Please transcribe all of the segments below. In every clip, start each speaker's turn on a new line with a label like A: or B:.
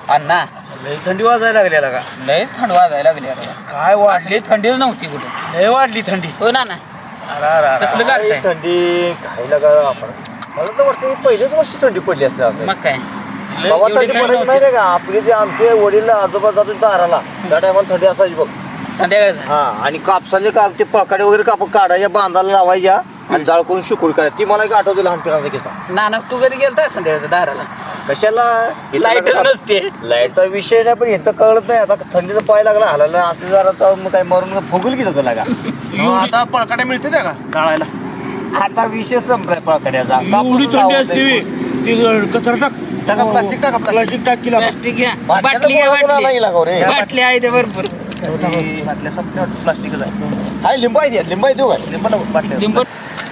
A: अण्णा
B: लय थंडी वाजायला लागली का?
A: लयच थंड वाजायला लागली अरे.
B: काय
A: असली थंडीच नव्हती कुठं.
B: लय वाढली थंडी.
A: हो ना. कसलं गारठं
C: थंडी काय लागा आपण मला तर वाटतं पहिलेच वर्षी थंडी पडली असेल असं.
A: मग काय
C: बाबा
A: एवढी
C: थंडी
A: थंड
C: पडायची
A: नव्हती.
C: माहिती आहे का? आपले जे आमचे वडील आजोबा जातो दाराला त्या टायमाला थंडी असायची बघ.
A: संध्याकाळचं
C: हा आणि कापसाले ते पकाडे वगैरे काढायच्या बांधाला लावायच्या आणि जाळ करून शुकुड करायचं. ती मला एक आठवते लहानपणाचा किस्सा.
A: नाना तू कधी गेलता संध्याकाळचं दाराला?
C: कशाला
A: लाईटच नसते.
C: लाईटचा विषय नाही पण इथं कळत नाही. आता थंडीचा पाय लागला हलायला असले जरा तर मग काय मरून फुगल की जातो लागा.
B: आता पळकाट्या मिळते त्या का जाळायला?
C: आता विषय संपलाय पळकाड्याचा.
B: एवढी थंडी असते ती कचरा टाक.
C: टाका प्लास्टिक टाका
B: प्लास्टिक टाक केला.
A: प्लास्टिक घ्या. बाटली घ्या. बाटली बाटली आहे ते भरपूर.
C: बाटल्या सगळ्या प्लास्टिकच आहे. हाय लिंबू आहे लिंबू आहे देऊ काय? लिंबू बाटल्या
A: लिंबू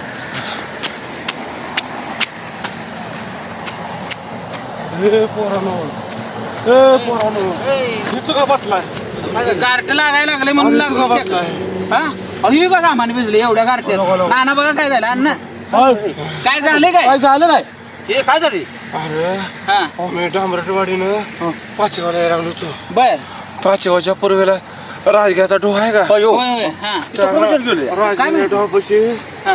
A: गारठ लागायला लागले म्हणून लागलं. हा अहो का कामाने भिजले एवढ्या गारठ्यात. नाना बघा काय झालं अण्णा काय झाले काय
B: झालं काय?
C: हे काय झाले?
B: अरे
A: हा
B: मी डांबरटवाडीनं पाचेगावला यायला लागलो होतो.
A: बर
B: पाचेगावच्या पूर्वेला राजग्याचा डोह आहे का?
A: होय होय हा
B: राजग्याच्या डोहापाशी
A: हा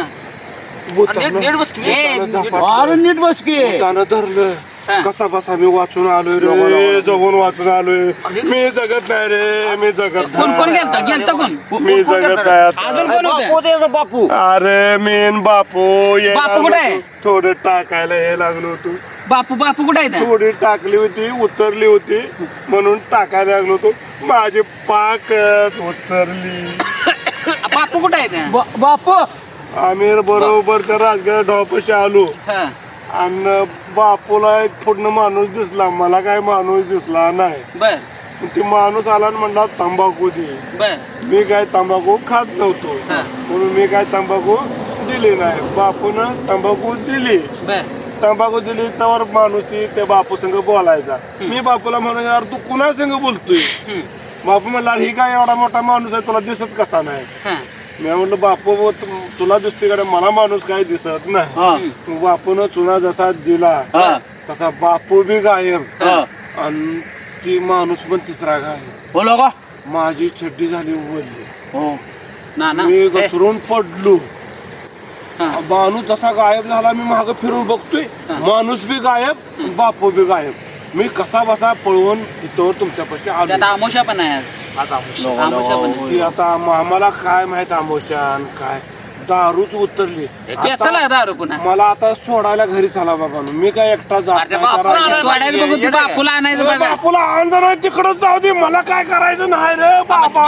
B: अरे नीट बस की धरलं.
A: हा.
B: कसा बसा मी वाचून आलोय रे. जगून वाचून आलोय. मी जगत नाही रे. मी जगत
A: कोण कोण
B: नाही.
A: गेलता कोण
B: मी जगत नाही
A: अजून
B: आता.
A: कोण होतं?
C: बापू
B: अरे मेन बापू ये
A: बापू कुठे आहे?
B: थोडं टाकायला हे लागलो होतो.
A: बापू कुठे आहे
B: थोडी टाकली होती उतरली होती म्हणून टाकायला लागलो होतो. माझी पाकच उतरली.
A: बापू कुठे आहे
C: बापू
B: आम्ही बरोबर त्या राजगड ढॉपाशी आलो
A: हा
B: आणि बापूला एक पूर्ण माणूस दिसला. मला काय माणूस दिसला नाही.
A: बर
B: ती माणूस आला आणि म्हणला तंबाखू दे.
A: बर
B: मी काय तंबाखू खात नव्हतो
A: हा.
B: म्हणून मी काय तंबाखू दिली नाही. बापून तंबाखू दिली.
A: बर
B: तंबाखू दिली तर माणूस ती त्या बापू संग बोलायचा. मी बापूला म्हणून यार तू कुणा संग बोलतोय? बापू म्हणला ही काय एवढा मोठा माणूस आहे तुला दिसत कसा नाही?
A: हा
B: मी म्हणलं बापू तुला दिसते का? मला माणूस काही दिसत नाही. बापून चुना जसा दिला तसा बापू बी गायब आणि ती माणूस पण तिसरा गायब.
C: बोलो का?
B: माझी छड्डी झाली उघडली.
A: नाना
B: मी घसरून पडलो.
A: हा.
B: माणूस जसा गायब झाला मी माग फिरून बघतोय. माणूस बी गायब बापू बी गायब. मी कसा बसा पळवून इथं तुमच्यापाशी आलो.
A: त्यात आमोशा पण आहे आज आमोशा पण आहे.
B: ती आता आम्हाला काय माहित आमोशान काय दारूच उतरली.
A: चला दारू पुन्हा
B: मला आता सोडायला घरी चला बाबा. मी काय एकटा जात
A: अरे
B: नाही.
A: बापूला
B: त्या
A: सोडायला बघू तू बापूला आणायचं
B: राजाला.
A: बघा.
B: बापूला आणलं नाही तिकडच जाऊ दे. मला काय करायचं नाही रे बाबा.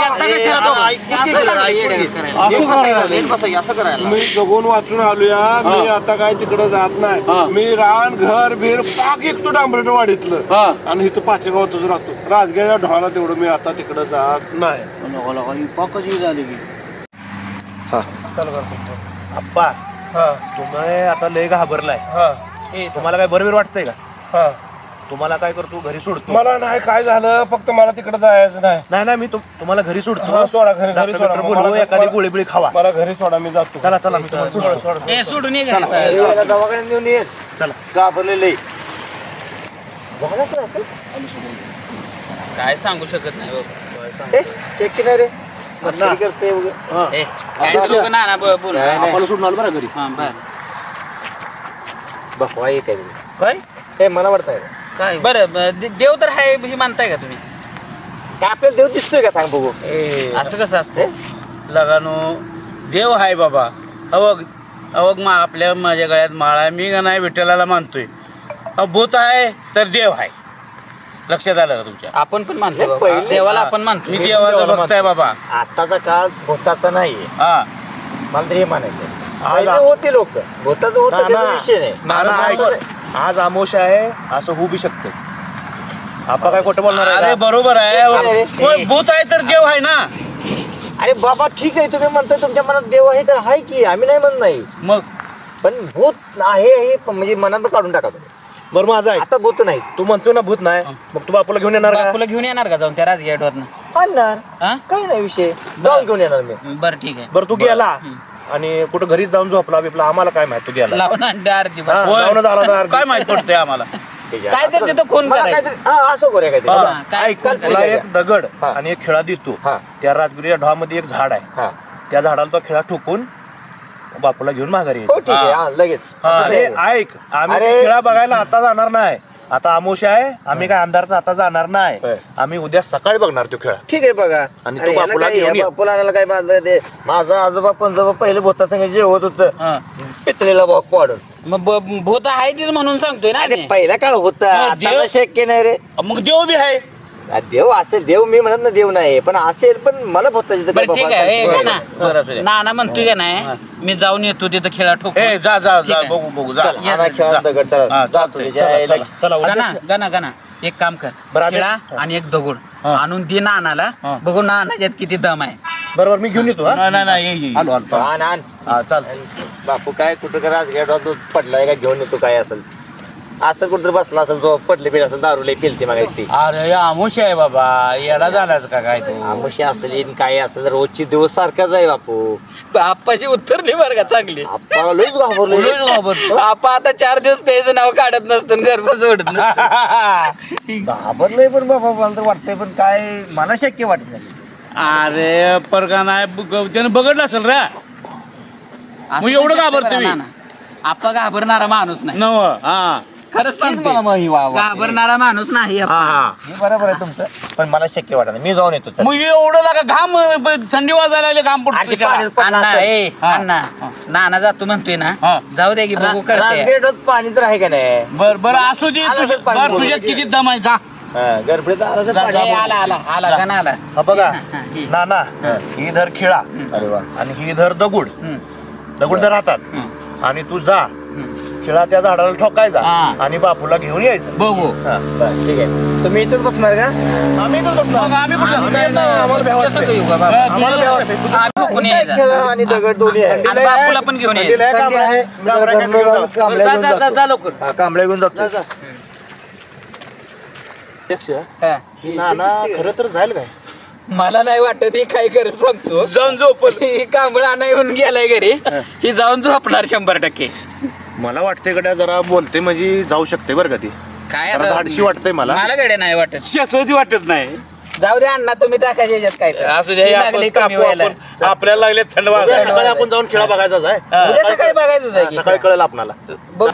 B: मी जगून वाचून आलोया. मी आता काय तिकडं जात नाही. मी रान घर भीर पाक एकतो डांबरेटवाडीतलं आणि इथं पाचेगावातच राहतो. राजगडच्या ढोला तेवढं मी आता तिकडं जात नाही.
C: पाकच झाली की
B: आप्पा
C: तुम्ही आता लय घाबरलाय. तुम्हाला काय बरोबर वाटतंय का? तुम्हाला काय करतो घरी सोडतो.
B: मला नाही काय झालं फक्त मला तिकडे जायचं नाही.
C: नाही मी तुम्हाला घरी सोडतो.
B: सोडा घरी सोडा.
C: बोलवू एखादी गोळी बिळी खावा.
B: मला घरी सोडा मी जातो.
C: चला मी तुम्हाला सोडतो.
A: ए सोडून ये घरी.
C: दवाखान्यात नेऊन ये. चला घाबरलेले
A: काय सांगू शकत नाही बाबा.
C: शक्य नाही रे. मस्करी करते
A: ए, काय नको नाना बोल
C: आपण सोडून आलो बरं घरी.
A: हा बर
C: बघवा एक आहे काय हे मला वाटतंय
A: काय बरं देव तर आहे हे मानताय का तुम्ही?
C: काय आपल्याला देव दिसतोय का सांग बघू.
A: असं कसं असतं?
D: लगानो देव आहे बाबा. अवग आपल्या माझ्या गळ्यात माळा आहे. मी का नाही विठ्ठलाला मानतोय. भूत आहे तर देव आहे. लक्षात आलं का तुमच्या?
A: आपण पण मानतो बाबा.
C: पहिले-
A: देवाला आपण मानतो.
D: मी देवाचा भक्त आहे बाबा.
C: आताचा काळ भूताचा नाहीये.
D: हा
C: मला तरी हे म्हणायचं. पहिले होते लोक भूताचं होतं त्याचा विषय नाही.
E: आज आमोशा आहे असं होऊ बी शकतं. आपण काय खोटं बोलणार आहे
D: अरे
E: का?
D: बरोबर आहे. पण भूत आहे तर देव आहे ना.
C: अरे बाबा ठीक आहे तुम्ही म्हणताय तुमच्या मनात देव आहे तर आहे की आम्ही नाही म्हणत नाही.
D: मग
C: पण भूत आहे हे म्हणजे मनात काढून टाका तुम्ही.
E: बरं माझं आहे.
C: आता भूत नाही.
E: तू म्हणतो ना भूत नाही मग तू बापूला घेऊन येणार का?
A: बापूला घेऊन येणार का जाऊन त्या राजगडवरनं?
C: आणणार
A: हा
C: काही नाही विषय. जाऊन घेऊन येणार मी.
A: बरं ठीक आहे.
E: बरं तू गेला आणि कुठं घरी जाऊन झोपला बिपला आम्हाला काय माहित तू गेला.
A: लावून अंडे अर्धी
E: हा,
D: होय.
E: जाऊन झाला तर
D: काय माहित पडतंय आम्हाला?
E: त्याच्या
A: काय तर तिथं खून
E: मला
A: करायचं.
E: काहीतरी असं करूया काहीतरी
A: हा,
E: बघा.
A: काय
E: ऐक, काल
C: तुला एक दगड
E: हा.
C: आणि एक खिळा देतो
E: हा.
C: त्या राजगिरीच्या ढॉमध्ये एक झाड आहे
E: हा.
C: त्या झाडाला तो खिळा ठोकून बापूला घेऊन माघारी
E: हो
C: यायचं.
E: ठीक आहे हा, लगेच
C: अरे ऐक आम्ही
E: अरे.
C: ते खिळा बघायला आता जाणार नाही आता आमोशा आहे आम्ही काय आमदारचा आता जाणार नाही
E: होय.
C: आम्ही उद्या सकाळी बघणार तो खेळ
E: ठीक आहे बघा
C: आणि
E: अरे
C: तो
E: ह्याला
C: बापूला
E: काय,
C: घेऊन
E: ह्या
C: ये.
E: बापूला आणायला काय बांधलं ते माझा आजोबा पंजोबा पहिले भोता संघ जेवत होतं
D: हा.
E: पितळेला भाग पाडून
A: मग भूत आहे तीच म्हणून सांगतोय ना
E: अरे
A: मी.
E: पहिला काळ होता
D: मग
E: आता
D: देव-
E: शक्य नाही रे
D: मग देव बी आहे
E: देव असेल देव मी म्हणत ना देव नाही पण असेल पण मला भोताची तर काय
A: बरं ठीक
E: बाबा
A: आहे
E: कल्पना
A: ना
E: नाही.
D: बरं असू द्या.
A: नाना म्हणतोय का नाही मी जाऊन येतो तिथं खेळा ठोक
D: ए जा जा
A: ठीक
D: जा
A: आहे.
D: बघू बघू जा
E: चल,
A: या,
E: आणा खेळा
D: जा.
E: दगड चला
D: हा,
E: जातो
D: चालतंय.
E: त्याच्या आईला.
C: चला
A: गाना
C: अध्यक्ष.
A: गाना गाना एक काम कर
C: बरं,
A: खेळा
C: अध्यक्ष.
A: आणि एक दगड
D: हा.
A: आणून दे नानाला
D: हा.
A: बघू नानाच्यात किती दम आहे
C: बरोबर मी घेऊन येतो हा?
D: नाही नाही नाही ये, ये.
C: आलो आलो
E: आण आण
C: हा चाल
E: बापू काय कुठं का राजगड तू पडलाय का घेऊन येतो काय असेल असं कुठं बसला असेल जो पडले पिढ असेल दारू लई पिलते मग ती
D: अरे आमुष आहे बाबा येडा झालाच का काय तू
E: आमशी असेल इन काय असेल रोजची दिवस सारखाच आहे बापू
A: आप्पाची उत्तरली बरं का चांगली
E: आपल्याला लईच घाबरलो
D: लईच घाबरलो.
A: आप्पा आता 4 दिवस प्यायचं नाव काढत नसतं घर पण सोडत नसतं.
E: घाबरलोय पण बाबा मला तर वाटतंय पण काय मला शक्य वाटत नाही
D: अरे परका नाही त्यानं बघडलं असेल रे
A: असं
D: एवढं
A: शकतं
D: घाबरतो
A: बरं
D: मी.
A: नाना. आप्पा घाबरणारा माणूस नाही
D: नव हा
A: खरंच
E: तेच मला
A: सांगतो
E: मग ही वाटते.
A: घाबरणारा माणूस नाही
D: हा
A: आप्पा.
D: हा
E: हे बरोबर आहे तुमचं पण मला शक्य वाटत नाही मी जाऊन येतो चल.
D: मग एवढं लागा घाम थंडी वाजायला लागली घाम
E: आणि ते
D: पडतो
E: पाण्यात पडलं
A: अण्णा
E: असेल.
A: ए
D: हा.
A: अण्णा नाना जातो म्हणतोय ना
D: हा.
A: जाऊ दे की बघू कळतंय
E: राजगड पाणी तर आहे का नाही
D: बर बर असू दे
E: आलं असेल पाणी
D: बर
E: बोलून.
D: तुझ्यात किती दम आहे जा
E: हा, गडबडीत आलं असेल
A: ए,
E: पाणी.
A: आला आला आला का ना आला
C: हा बघा
A: हा, ही.
C: नाना ही धर खिळा
E: अरे वा
C: आणि ही धर दगड
A: हम्म,
C: दगड धर हातात
A: हम्म,
C: आणि तू जा
A: हम्म.
C: खिळा त्या झाडाला ठोकायचा
A: हा.
C: आणि बापूला घेऊन यायचं
A: बघू
E: हा, बरं, ठीक आहे तुम्ही इथंच बसणार का
C: आम्ही इथंच बसणार.
D: आम्ही कुठं
A: आम्ही काय नाही,
C: आम्हाला भ्या वाटते.
A: कसं येऊ का बाबा?
C: आम्हाला भ्या वाटते.
A: आम्ही बघून
E: इथं
A: यायचं.
E: खेळा आणि दगड दोन्ही आहे
A: आणि बापूला पण घेऊन यायचं.
C: थंडीला आहे,
E: थंडी आहे मी जरा
C: कांबळ्या
E: घरनं जाऊन
C: घेऊन
E: कांबळ्या
D: जा,
E: घेऊन
D: जा, जा,
E: जातो.
D: जा लवकर.
E: हा, कांबळ्या घेऊन जातो
C: अध्यक्ष,
A: हा.
C: ही नाना खरं तर जाईल काय
A: मला नाही वाटत ही काय करत सांगतो
D: जाऊन झोपल
A: ही कांबळा नाही येऊन गेलाय घरी ही जाऊन झोपणार 100%.
C: मला वाटते गड्या जरा बोलते म्हणजे जाऊ शकते बरं का ती
A: काय
C: जरा धाडशी वाटतंय मला
A: मला गडे नाही वाटत
D: शाश्वती वाटत नाही
A: जाऊ दे अण्णा तुम्ही टाकायचे याच्यात काय तर.
D: असू दे
A: ही
D: आपण
A: लागली कमी
D: कापू
A: व्हायला.
D: आपण. आपल्याला लागले थंड
C: उद्या
D: वाजायला.
C: सकाळी आपण जाऊन खेळा बघायचाच आहे
A: उद्या सकाळी बघायचंच आहे की.
C: सकाळी कळेल आपणाला
A: बघ.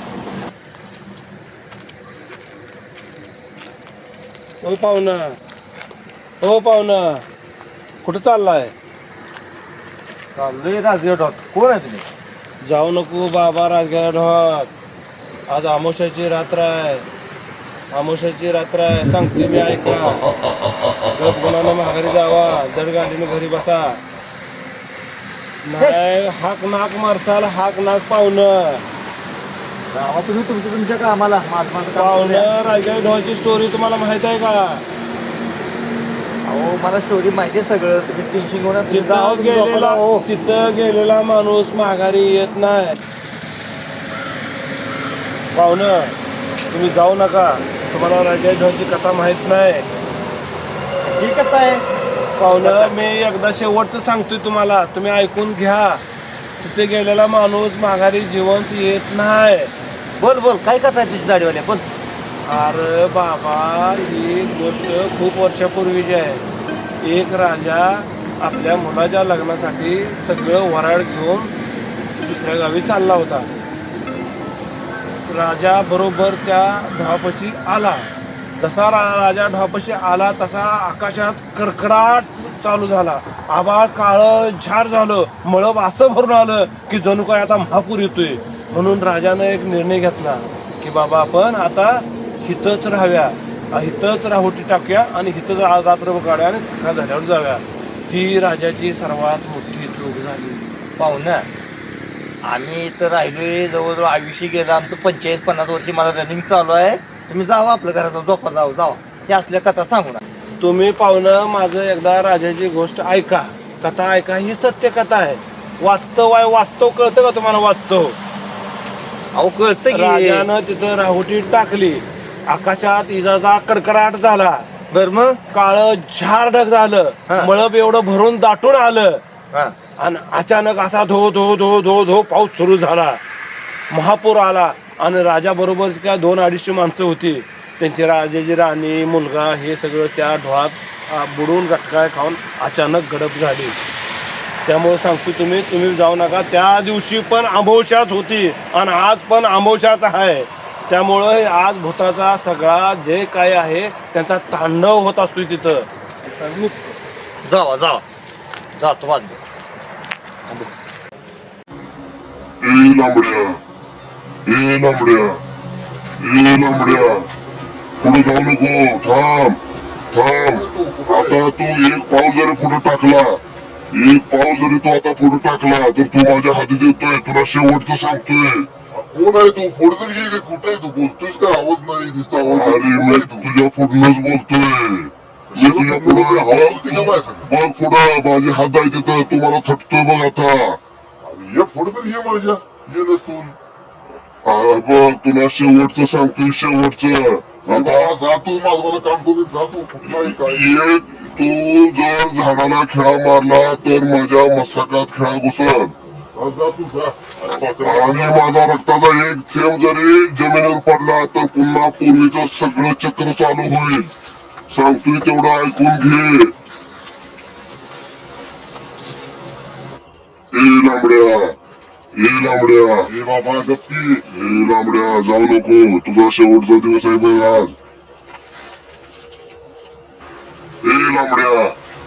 B: हो पाहुणा हो पाहुणा कुठं चाललाय
E: चाललोय राजगड कोण आहे तुम्ही
B: जाऊ नको बाबा राजगड ढोक आज आमोशाची रात्र आहे आमोशाची रात्र आहे सांगते मी ऐका गप गुणानं माघारी जावा दडगाडीनं घरी बसा नाही हाक नाक मारचाल हाक नाक पाहुणं
E: गावा तुम्ही तुमच्या कामाला माझं माझं काम करूया.
B: पाहुणं राजगड ढोची स्टोरी तुम्हाला माहित आहे का
E: अहो मला स्टोरी माहिती आहे सगळं तुम्ही टेन्शन घेऊन नका. तुम्ही जावा, तुम्ही झोपा जावा, हो.
B: तिथं गेलेला माणूस माघारी येत नाही पाहुणं तुम्ही जाऊ नका तुम्हाला राजा ढोची कथा माहित नाही
E: ही कथा आहे
B: पाहुणं मी एकदा शेवटचं सांगतोय तुम्हाला तुम्ही ऐकून घ्या तिथे गेलेला माणूस माघारी जिवंत येत नाही
E: बोल बोल काय कथा आहे तुझी दाढीवाल्या बोल
B: अरे बाबा ही गोष्ट खूप वर्षापूर्वीची आहे एक राजा आपल्या मुलाच्या लग्नासाठी सगळं वराड घेऊन दुसऱ्या गावी चालला होता राजा बरोबर त्या ढोपाशी आला जसा राजा ढोपाशी आला तसा आकाशात कडकडाट चालू झाला आभाळ काळं झार झालं मळब असं भरून आलं की जणू काय आता महापूर येतोय म्हणून राजानं एक निर्णय घेतला की बाबा आपण आता हितच राहाव्या हितच राहुटी टाकूया आणि हितच रात्र काढूया आणि सकाळ झाल्यावर जाऊया ती राजाची सर्वात मोठी चूक झाली
E: पाहुणं आम्ही इथं राहिलोय जवळजवळ आयुष्य गेलं आमचं 45-50 वर्षी मला रनिंग चालू आहे तुम्ही जावा आपल्या घरात झोपा जावा त्या असल्या कथा सांगू ना
B: तुम्ही पाहुणं माझं एकदा राजाची गोष्ट ऐका कथा ऐका ही सत्य कथा आहे वास्तव आहे वास्तव कळतं का तुम्हाला वास्तव
E: अहो कळतं की
B: राजानं तिथं राहुटी टाकली आकाशात इजाचा कडकडाट झाला
E: बर मग
B: काळं झार ढग झालं
E: हा.
B: मळब एवढं भरून दाटून आलं
E: हा
B: आणि अचानक असा धो धो धो धो धो पाऊस सुरू झाला महापूर आला आणि राजाबरोबर काय 200-250 माणसं होती. त्यांची राजाची राणी मुलगा हे सगळं त्या ढोळात बुडून गटकाय खाऊन अचानक गडप झाली. त्यामुळे सांगतो तुम्ही जाऊ नका. त्या दिवशी पण अमावस्याच होती आणि आज पण अमावस्याच आहे. त्यामुळं आज भूताचा सगळा जे काय आहे त्यांचा तांडव होत असतो तिथं.
E: जावा जातो बांधतो.
F: लांबड्या पुढे जाऊ नको. थांब. आता तू एक पाऊल जरी पुढे टाकला तर तू माझ्या हाती देतोय. तुला शेवटचं सांगतोय. कोण आहे तू? पुढे तरी घे. कुठे आहे तू? बोलतोयस का? आवाज नाही दिसता. अरे मी तुझ्या पुढनच बोलतोय. मी तुझ्या पुढे बघ पुढं माझे हात आहे तिथं. तू मला थटतोय बघ आता. ये पुढे तरी ये माझ्या. ये नसून बघ तुला शेवटचं सांगतोय. शेवटचं आता तू माझं काम करून जातो. कुठलाही काय तू जर झाडाला खिळा मारला तर माझ्या मस्तकात खिळा घुसल. आणि माझा रक्ताचा एक थेंब जरी जमिनीवर पडला तर पुन्हा पूर्वीचं सगळं चक्र चालू होईल. सांगतोय तेवढं ऐकून घे. ए बाबा गप्पी. लांबड्या जाऊ नको. तुझा शेवटचा दिवस आहे बघ आज. लांबड्या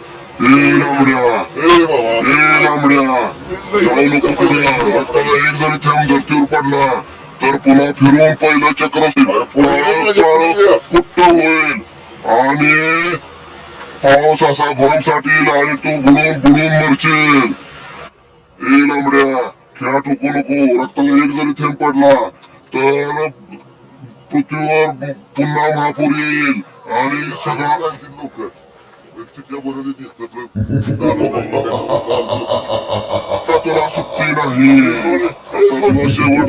F: जाऊ नको पुढे. रक्ताला एक जरी थेंब धरतीवर पडला तर पुन्हा फिरून पहिलं चक्र कुट्ट होईल आणि पाऊस असा भरमसाठी येईल आणि तू बुडून मरशील. लांबड्या खेळा ठोकू नको. रक्ताला एक जरी थेंब पडला तर पृथ्वीवर पुन्हा महापूर येईल आणि सगळा लोक आता तुला सुट्टी नाही. तुला शेवट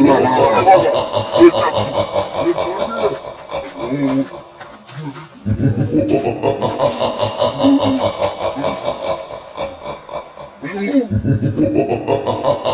F: झाला.